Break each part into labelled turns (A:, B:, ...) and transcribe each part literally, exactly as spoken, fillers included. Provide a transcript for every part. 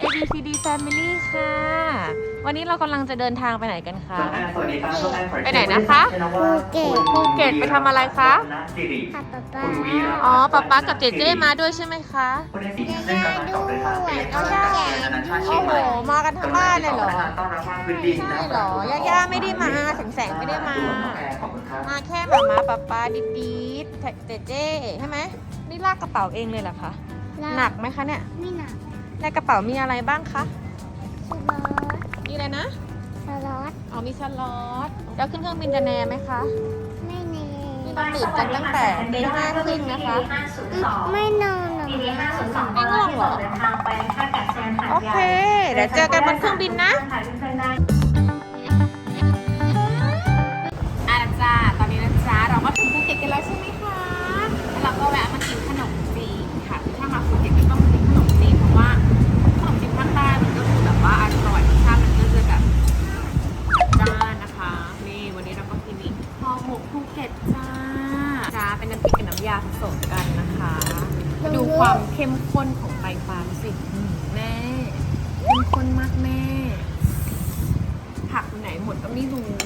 A: เอ บี ซี ดี Family ค่ะวันนี้เรากำลังจะเดินทางไปไหนกันคะ
B: สวัสดีครับทุกท่าน
A: ไปไหนนะคะภูเก็ตภูเก็ตไปทำอะไรคะ
C: ค่ะป๊าป๊า
A: อ๋อป๊าป๊ากับเจเจมาด้วยใช่ไหมคะ
C: ย่าด้วยเอาย่า
A: โอ้โหมากันทั้งบ้านเลยเหรอ
B: ต้อนรับว่าพื้นดิน
A: ใช่เหรอย่าย่าไม่ได้มาแสงแสงไม่ได้มา มาแค่หมามาป๊าป๊าดิดดิดเจเจใช่ไหมนี่ลากกระเป๋าเองเลยเหรอคะหนักไหมคะเนี่ย
C: ไม่หนัก
A: ในกระเป๋ามีอะไรบ้างคะ
C: สล็อต
A: มีอะไรนะ
C: สล็อต
A: อ๋อมีสล็อตแล้วขึ้นเครื่องบินจะแน่ไหมคะ
C: ไม่เน
A: นี่เราตื่นกันตั้งแต่ตีห้าครึ่งนะคะ
C: ไม่นอนหรอก
A: ไม่ง่วงเหรอโอเค เดี๋ยวเจอกันบนเครื่องบินนะอ่ะจ้าตอนนี้นะจ๊ะเราก็ถึงภูเก็ตกันแล้วใช่ไหมคะแล้วเราก็แวะมากินขนมจีนค่ะถ้ามาภูเก็ตก็ต้องมากินขนมจีนเพราะว่าขนมจีนภาคใต้มันก็คือแบบว่าอร่อยรสชาติมันก็จะแบบจ้านนะคะนี่วันนี้เราก็กินนี่ห่อหมกภูเก็ตจ้าจ้าเป็นน้ำพริกกับน้ำยาผสมกันนะคะดูความเข้มข้นของไตปลาสิแม่เข้มข้นมากแม่ผักไหนหมดก็ไม่รู้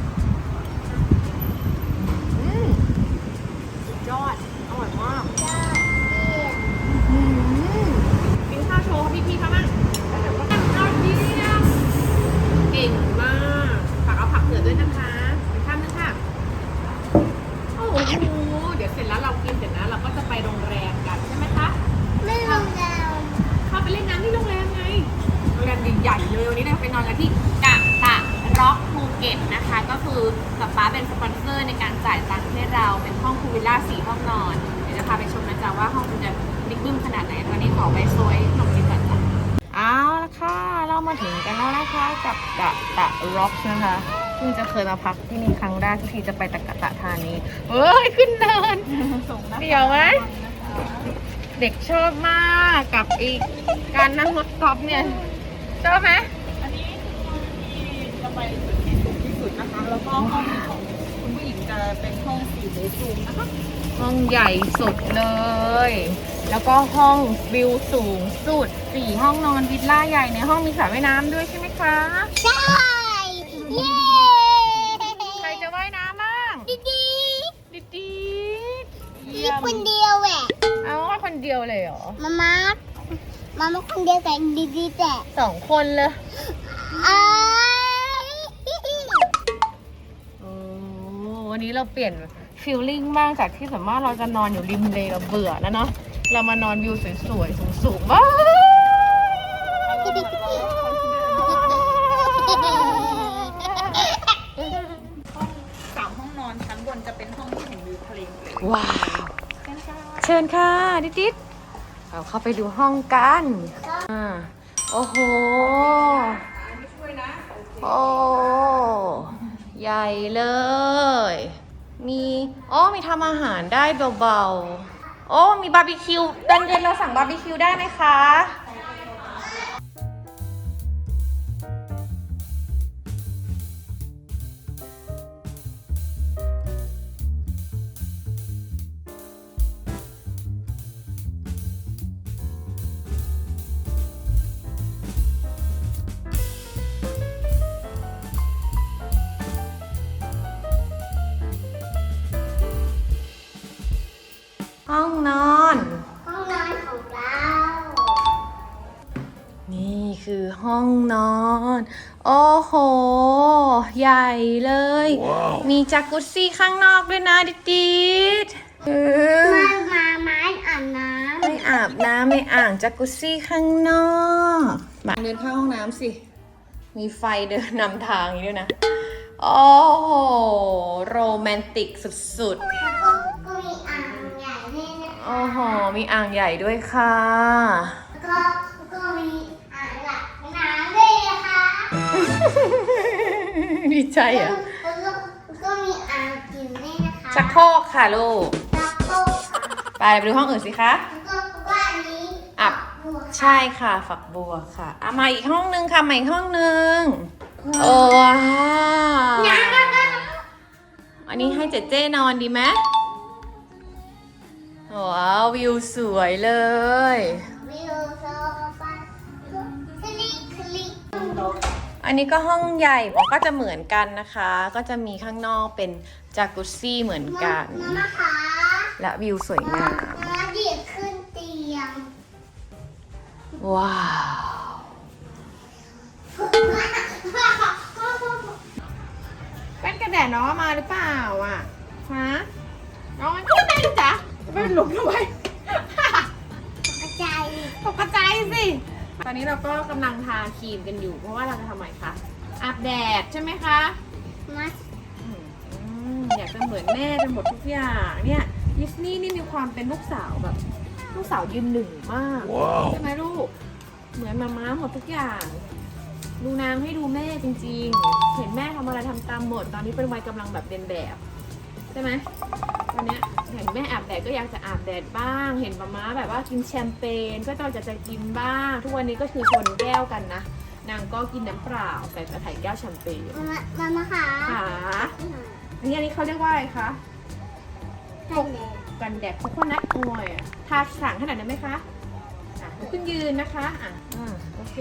A: อืมสุดยอดอร่อยมากอืมกินข้าวโชว์พี่พี่ๆเขาบ้างแต่ว่ากันข้าวดีนะเก่งมากฝากเอาผักเผือกด้วยนะคะไปข้ามนึงค่ะโอ้โหเดี๋ยวเสร็จแล้วเรากินเสร็จนะเราก็จะไปโรงแรมกันใช่ไหมคะ
C: ไม่ลงแล้ว
A: เข้าไปเล่นน้ำที่โรงแรมไงโรงแรมใหญ่ๆเลยวันนี้เราไปนอนกันที่กะตะร็อกภูเก็ตนะคะก็คือป๊าป๊าเป็นสปอนเซอร์ในการจ่ายตังค์ให้เราเป็นห้องพูลวิลล่าสี่ห้องนอนเดี๋ยวจะพาไปชมนะจ๊ะว่าห้องมันจะบิ๊กบึ้มขนาดไหนวันนี้ขอไปซวยขนมจีนก่อนจ้ะเอาละค่ะเรามาถึงกันแล้วนะคะกับกะตะร็อกนะคะซึ่งจะเคยมาพักที่นี่ครั้งแรกที่จะไปตะกะตะธานีเฮ้ยขึ้นเนินเดี๋ยวไหมเด็กชอบมากกับอีกการนั่งรถกอล์ฟเนี่ยชอบไหม
D: อันนี้ที่จะไปจุดที่สูงที่สุดนะคะ แล้วก็ห้องของคุณผู้หญิงจะเป็นห้องสี่เบดรูมนะคะ
A: ห้องใหญ่สุดเลย แล้วก็ห้องวิวสูงสุดสี่ห้องนอนวิลล่าใหญ่ในห้องมีสระว่ายน้ำด้วยใช่ไหมคะ
C: ใช่เย้
A: ใครจะว่ายน้ำบ้าง
C: ดีดี
A: ดิดี
C: ดีคนเดียวแหละ
A: เอาว่าคนเดียวเลยเหรอ
C: มามามามาคนเดียวแต่ดีดีแต่
A: สองคนเลย
C: อ้าย
A: โอ้วันนี้เราเปลี่ยนฟีลลิ่งบ้างจากที่สมมติเราจะนอนอยู่ริมเลเราเบื่อแล้วเนาะเรามานอนวิวสวยๆสูงๆบ้าง
D: สามห้องนอนชั้นบนจะเป็นห้องที่เห็นวิวทะเลหมดเลย
A: ว้าวเชิญค่ะดิดิดเราเข้าไปดูห้องกันอ่าโอ้โหโอ้ใหญ่เลย มีอ๋อมีทำอาหารได้เบาๆโอ้มีบาร์บีคิวตอนเย็นเราสั่งบาร์บีคิวได้ไหมคะห้องนอน
C: ห้องนอนของเรา
A: นี่คือห้องนอน โอ้โห ใหญ่เลย wow. มีจักรุซี่ข้างนอกด้วยนะดิดิดเออ
C: มามามาอาบน้
A: ไม่อาบน้ำในอ่างจักรุซี่ข้างนอกมาเดินเข้าห้องน้ำสิ มีไฟเดินนำทางอย่างนี้ด้วยนะ โอ้โห โรแมนติกสุด
C: ำแล้วก็ก็มีอ่างใหญ่ด้วยนะ
A: ๆ โอ้โห มีอ่างใหญ่ด้วยค่ะ
C: แล้วก็แล้วก็มีอ่างหลักน้ำด้วยนะคะ
A: ดีใจอ่ะ
C: แล้วก็แล้วก็มีอ่างกินด้วยนะคะ
A: ชักโครกค่ะลูก
C: ชักโครกค่ะ
A: ไปไปดูห้องอื่นสิคะ
C: แล้วก็ว่าอันนี้
A: อับ
C: บัว
A: ใช่ค่ะฝักบัวค่ะอ่ะมาอีกห้องนึงค่ะมาอีกห้องนึงโอ้ว้าว
C: น้ำก็ก็
A: อันนี้ให้เจเจ้นอนดีไหมว้าววิวสวยเลย
C: วิวโซฟา
A: อันนี้ก็ห้องใหญ่บอกก็จะเหมือนกันนะคะ ก็จะมีข้างนอกเป็นจากุซซี่เหมือนกัน
C: มามาคะ
A: และวิวสวยงาม
C: มาเดียขึ้นเตียง
A: ว้าว แว่นกันแดดน้องเอามาหรือเปล่าอ่ะ ฮะ น้องมันก็ได้ลูกจ๋าไม่หลุมทำไม
C: กระจาย
A: ตกกระจายสิ ตอนนี้เราก็กำลังทาครีมกันอยู่ เพราะว่าเราจะทำอะไรคะ อาบแดดใช่ไหมคะ
C: มา
A: อืมอยากจะเหมือนแม่เป็นหมดทุกอย่างเนี่ยดิสนีย์นี่มีความเป็นลูกสาวแบบ ลูกสาวยืนหนึ่งมาก ใช่ไหมลูก เหมือนมาม้าหมดทุกอย่าง ดูนางให้ดูแม่จริงๆ เห็นแม่ทำอะไรทำตามหมด ตอนนี้เป็นวัยกำลังแบบเรียนแบบ ใช่ไหมตอนเนี้ยเห็นแม่อาบแดดก็อยากจะอาบแดดบ้าง เห็นมาม้าแบบว่ากินแชมเปญก็ต้องจะจะกินบ้าง ทุกวันนี้ก็คือชนแก้วกันนะ นางก็กินน้ำเปล่าใส่กระถายแก้วแชมเปญ
C: มามามาคะ
A: ค่ะอันนี้อันนี้เขาเรียกว่าอะไรคะ
C: กันแดด
A: กันแดดโคโคนัทออยล์อะทาสั่งขนาดนั้นไหมคะอ่ะลุกขึ้นยืนนะคะอ่ะอ่าโอเค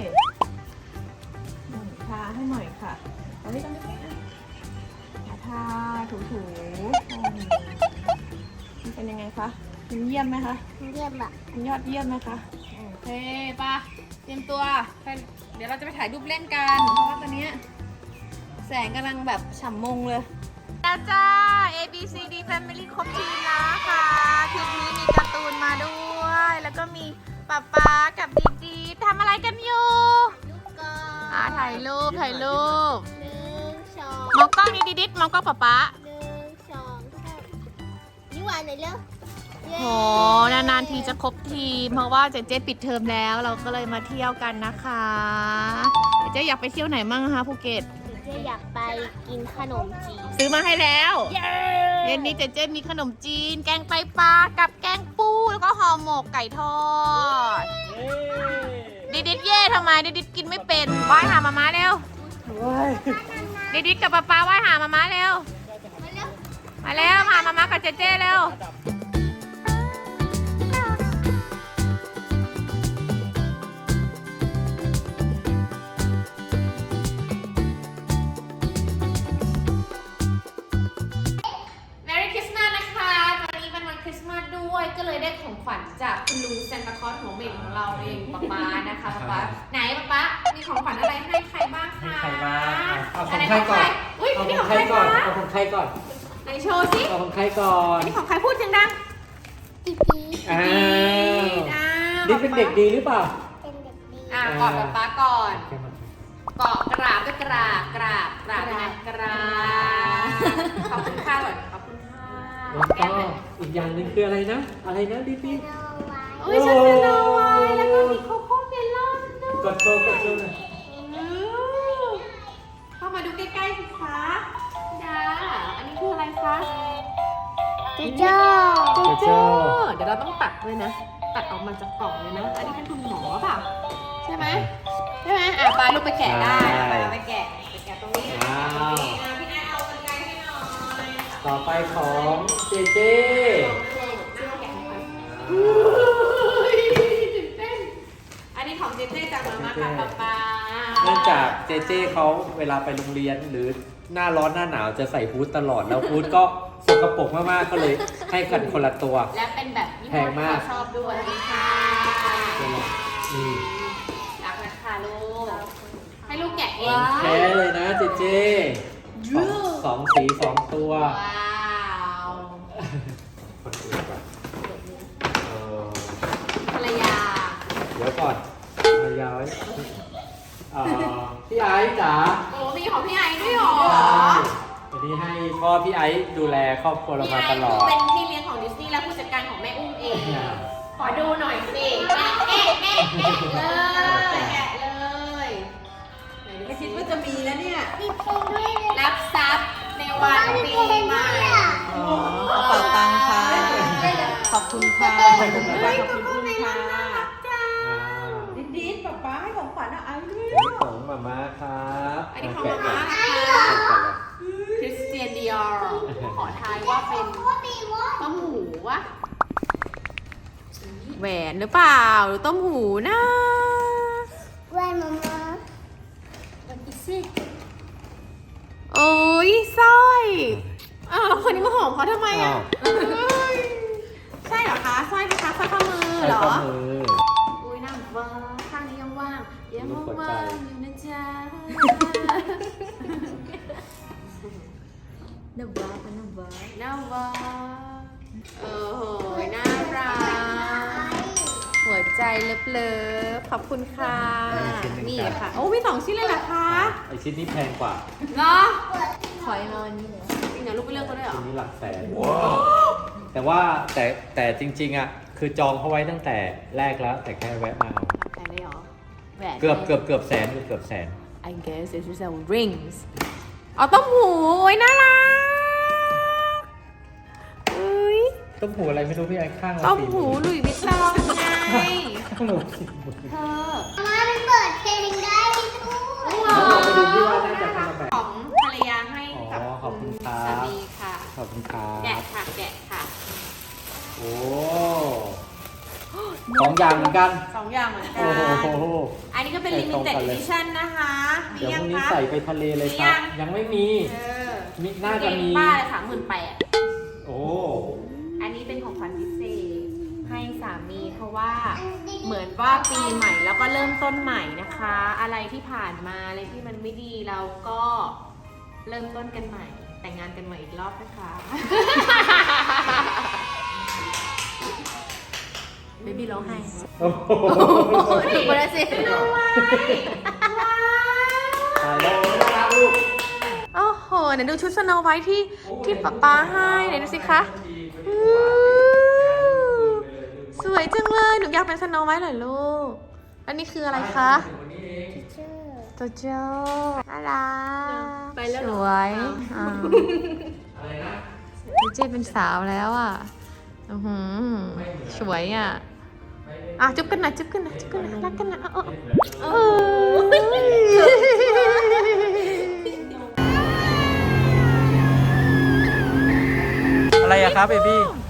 A: อืมทาให้หน่อยค่ะเอาไว้ตรงนี้อ่ะอ่ะทาถูถูๆอืมมันเป็นยังไงคะมันเยี่ยมไหมคะ
C: เรียบอะ
A: มันยอดเยี่ยมไหมคะโอเคป่ะเตรียมตัวไปเดี๋ยวเราจะไปถ่ายรูปเล่นกันเพราะว่าตอนเนี้ยแสงกำลังแบบฉ่ำมงเลย แล้วจ้า A B C D Family ครบทีมนะคะคลิปนี้มีการ์ตูนมาด้วย แล้วก็มีป๊าป๊ากับดีดีทำอะไรกันอยู่
C: ลูกกอ
A: อ่าถ่ายรูปถ่ายรูป
C: หนึ่งสอง
A: มองกล้องนี้ดิดิดมองกล้องป๊าป๊า
C: หนึ่งสองสามยิ้มหวานหน่อยเร็วเย้
A: โหนานๆทีจะครบทีม เพราะว่าเจ๊เจ๊ปิดเทอมแล้ว เราก็เลยมาเที่ยวกันนะคะเจ๊อยากไปเที่ยวไหนมั่งคะภูเก็ต
C: เจ๊อยากไปกินขนมจีน
A: ซื้อมาให้แล้ว
C: เย้
A: เย็นนี้เจเจมีขนมจีน แกงไตปลา กับแกงปู แล้วก็ห่อหมกไก่ทอด ดิดิดเย่ทำไม ดิดิดกินไม่เป็นว่ายหามาม้าเร็ว ดิดิดกับป๊าป๊าว่ายหามาม้าเร็ว มาเร็ว มามาม้ากับเจเจเร็ว Merry Christmas นะคะ ตอนนี้เป็นวันคริสต์มาสด้วย ก็เลยได้ของขวัญจากคุณลุงซานตาคลอสหัวเหม่งของเราเองป๊าป๊านะคะป๊าป๊าไหนป๊าป๊ามีของขวัญอะไรให้ใครบ้างคะ
E: ให้ใครบ้างเอาของ
A: น
E: ใครก่อน
A: อุ้ย
E: เอา
A: อัน
E: ข
A: นี้
E: อ
A: ของ ง
E: ใค
A: ใค
E: ร
A: ร
E: ก่อน
A: คะ
E: เอาของใครก่อน
A: ไหนโชว์สิ
E: เอาของใครก่อน
A: อันนี้ของใครพูดเสียงดัง
C: จีจี
E: อ้าว
A: อ้าว
E: นี่เป็นเด็กดีหรือเปล่า
C: เป็นเด็กดี
A: อ่ะกอดป๊าป๊าก่อนเกาะกราบก็กราบกราบกราบนะกราบขอบคุณค่ะก่อนขอบคุณค่ะ
E: แล้วก็อีกอย่างหนึ่งคืออะไรนะ อะไรนะดิพี่
C: เอาไว้
A: โอ้ยฉันจะนไว้แล้วก็มีโคโค่เมลอนด้วย
E: กดโชว์กดโชว์หน่อย
A: อืมเข้ามาดูใกล้ๆสิคะดาอันนี้คืออะไรคะ
C: จีจ้า
A: โจโจเดี๋ยวเราต้องตัดด้วยนะ ตัดออกมาจากกล่องเลยนะ อันนี้เป็นคุณหมอเปล่าใช่ไหมใช่ไหมอ่ะไปลูกไปแกะได้ไปไปแกะไปแกะตรงนี้อ่ะตรงนี้อ่ะพี่แอนเอากรรไกรให้หน่อย
E: ต่อไปของเจเจ
A: อันนี้ของเจเจจากมาม่ากับป๊าป๊า
E: เนื่องจากเจเจเขาเวลาไปโรงเรียนหรือหน้าร้อนหน้าหนาวจะใส่ฮู้ดตลอดแล้วฮู้ดก็สกปรกมากๆก็เลยให้กันคนละตัว
A: และเป็นแบบยี่
E: แพ
A: ห้อง
E: มาก
A: ที่เขาชอบด้วยค่ะ
E: นี่
A: รักนะคะลูก ให้ลูกแกะเอง
E: แท้เลยนะเจเจสองสองสีสองตัว
A: ว้าว
E: คนอื่นก่อนเออ
A: ภรรยา
E: เดี๋ยวก่อนภรรยาไว้เอ่อพี่ไอซ์จ๋า
A: โอ้มีของพี่ไอด้วยเหรอ
E: อันนี้ให้พ่อพี่ไอซ์ดูแลครอบครัวเรา
A: พี่
E: มา
A: ไอ
E: ตลอ
A: คือ
E: ด
A: เป็นพี่เลี้ยงของดิสนีย์และผู้จัดการของแม่อุ้มเอง ขอดูหน่อยสิแม่แม่แม่แม่เลยแกะเลยไม่คิดว่าจะมีแล้วเนี่ย
C: มีเพลงด้วยเลย
A: รับทรัพย์ในวันปีใหม่
E: อ๋อ
D: กระเป๋าตังค์ค่ะ ขอบคุณค่ะ
A: เฮ้ยโกโก้เมลอนน่ารักจัง
E: อ่า
D: ดิดดิดป๊าป๊าให้ของขวัญอะไอ้ด้วย
E: อันนี้ของมาม่าครับ
A: อันนี้ของ
E: แกะ
A: มา
E: ก่
A: ม่า
E: อน
A: นะคะ
E: แกะก่อนเลย
A: คริสเตียนดิออร์ขอทายว่าเป็น
C: ว่ามีว่า
A: ต้มหูวะแหวนหรือเปล่าหรือต้มหูนะ
C: แว่นมามา
A: แสร้อยอ้าวแล้วคนนี้มาหอมเขาทำไมอ่ะ
E: อ้าว
A: เอ้ยใช่เหรอคะสร้อยไหมคะสร้อยข้อมือ
E: ใส่
A: เหรอ
E: ข้อมือ
A: อุ้ยน้ำว้าข้างนี้ยังว่างยัง
E: รูปหัว
A: ว่า
E: ใจ
A: งอยู่นะจ๊ะน้ำว้าเป็นน้ำว้าน้ำว้าโอ้โหน่ารักหัวใจเลิฟๆขอบคุณค่ะ
E: ชิ้นหนึ่ง
A: นี่
E: จ้ะ
A: ค่ะ โอ้มีสองชิ้นเลยเหรอคะ
E: ไอชิ้นนี้แพงกว่า
A: เนาะ
C: ขอยนอนนี่เลย
A: จริงเหรอลูกไปเลือกเขาด้วยเหรอ
E: ชิ้นนี้หลักแสนแต่ว่าแต่แต่จริงๆอ่ะคือจองเขาไว้ตั้งแต่แรกแล้ว แต่แค่แวะมาเอา
A: แพงได้เหรอแหวน
E: เกือบเกือบเกือบแสนเกือบแสน
A: I guess this is a rings เอาต้มหูโอ้ยน่ารักเอ้ย
E: ต้มหูอะไรไม่รู้พี่ไอ้ข้างละ
A: ต้ม
E: สี่
A: หู
E: น
A: หลุยส์วิตตองไง
E: ข้างหนูสี่หมื่น
A: เธอ
C: มาเป็นเปิดเพลงได้ทุก
E: แล้วเราไปดูที่ว่าน่าจะเป็นแบบ
A: ของภรรยาให้กับ
E: อ๋อขอบคุณครับ
A: สามีค่ะ
E: ขอบคุณครั
A: แกะ
E: บ
A: ค่ะแกะค่ะ
E: โอ้สองอย่างเหมือนกัน
A: สองอย่างเหมือนกั
E: โอ้โห
A: น อันนี้ก็เป็น
E: ใส่ตรง
A: limited
E: กันเลย
A: edition นะคะมี
E: เดี๋ยว
A: ยั
E: พ
A: ง
E: รุ่งนี้
A: คะ
E: ใส่ไปทะเลเลยครับ
A: มียัง
E: ยังไม่มี
A: เออ
E: มีน่าจะมี
A: ป้าเลยสามหมื่นแปด
E: โอ้
A: อันนี้เป็นของขวัญพิเศษให้สามีเพราะว่าเหมือนว่าปีใหม่แล้วก็เริ่มต้นใหม่นะคะ อะไรที่ผ่านมาอะไรที่มันไม่ดีเราก็เริ่มต้นกันใหม่ แต่งงานกันใหม่อีกรอบนะคะเบบี้ร้องไห้
E: โอ้โห
A: ถูกไปแล้วสิเอาไว้ว้าว
E: ตายแล้วน่ารักลูก
A: โอ้โหไหนดูชุดสโนไวท์ที่ที่ป๊าป๊าให้ไหนดูสิคะอู้สวยจังเลยหนูอยากเป็นสโนไวท์เหรอลูกอันนี้คืออะไรคะ
C: เชื่อ
A: โจโจ้น่ารัก
C: ไปแล้วเหรอ
A: สวยอ่า
E: อะไรนะ
A: เจเจเป็นสาวแล้วอ่ะอือหือสวยอ่ะอ่ะจุ๊บกันหน่อยจุ๊บกันหน่อยจุ๊บกันหน่อยรักกันหน่อยเอาเอาเอาเออ
E: อะไรอะครับเบบี้